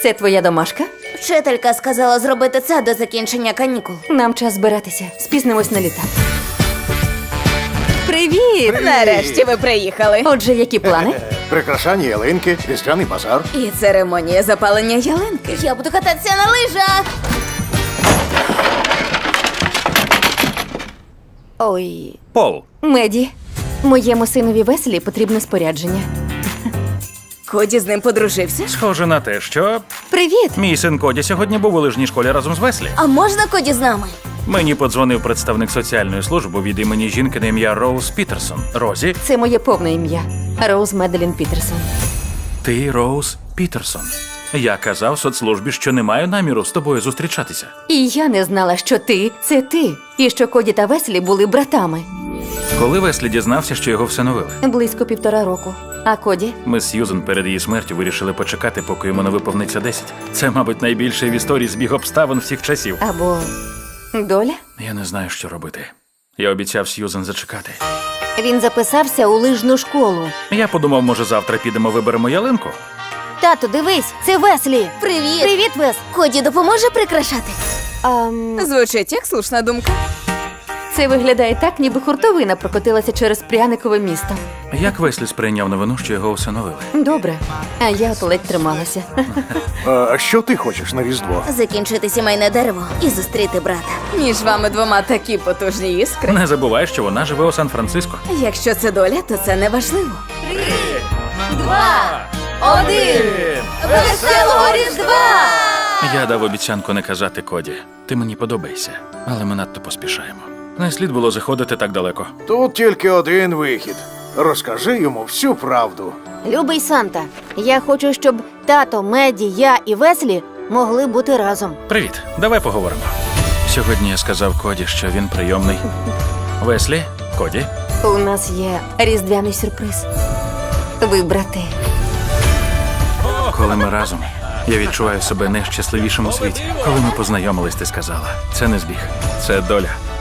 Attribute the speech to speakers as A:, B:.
A: Це твоя домашка?
B: Вчителька сказала зробити це до закінчення канікул.
A: Нам час збиратися. Спізнимось на літак. Привіт!
C: Нарешті ви приїхали.
A: Отже, які плани?
D: Прикрашання ялинки, різдвяний базар.
C: І церемонія запалення ялинки.
B: Я буду кататися на лижах.
A: Ой,
E: Пол,
A: Меді, моєму синові Веселі потрібне спорядження.
C: Коді з ним подружився?
E: схоже на те, що
A: Привіт!
E: мій син Коді сьогодні був у лижній школі разом з Веслі.
B: А можна Коді з нами?
E: Мені подзвонив представник соціальної служби від імені жінки на ім'я Роуз Пітерсон. Розі,
A: Це моє повне ім'я. Роуз Меделін Пітерсон.
E: ти Роуз Пітерсон. Я казав соцслужбі, що не маю наміру з тобою зустрічатися.
A: І я не знала, що ти – це ти. І що Коді та Веселі були братами.
E: Коли Веслі дізнався, що його всиновили,
A: Близько 1,5 року. А Коді?
E: ми з Сьюзен перед її смертю вирішили почекати, поки йому не виповниться 10. Це, мабуть, найбільший в історії збіг обставин всіх часів.
A: Або доля?
E: Я не знаю, що робити. Я обіцяв Сьюзен зачекати.
A: Він записався у лижну школу.
E: Я подумав, може, завтра підемо виберемо ялинку?
A: Тату, дивись, це Веслі.
B: Привіт.
A: Привіт, Вес.
B: Коді допоможе прикрашати?
C: Звучить як слушна думка.
A: Це виглядає так, ніби хуртовина прокотилася через пряникове місто.
E: Як Веслі сприйняв новину, що його усиновили?
A: Добре, а я от ледь трималася.
D: А що ти хочеш на Різдво?
B: Закінчити сімейне дерево і зустріти брата.
C: Між вами двома такі потужні іскри.
E: Не забувай, що вона живе у Сан-Франциско.
C: Якщо це доля, то це не важливо.
B: 1. Веселого Різдва!
E: Я дав обіцянку не казати Коді. Ти мені подобаєшся, але ми надто поспішаємо. Не слід було заходити так далеко.
D: Тут тільки один вихід. Розкажи йому всю правду.
A: Любий Санта, я хочу, щоб тато, Меді, я і Веслі могли бути разом.
E: Привіт, давай поговоримо. Сьогодні я сказав Коді, що він прийомний. Веслі, Коді,
A: У нас є різдвяний сюрприз. Ви брати.
E: коли ми разом, я відчуваю себе найщасливішим у світі. Коли ми познайомились, ти сказала, це не збіг, це доля.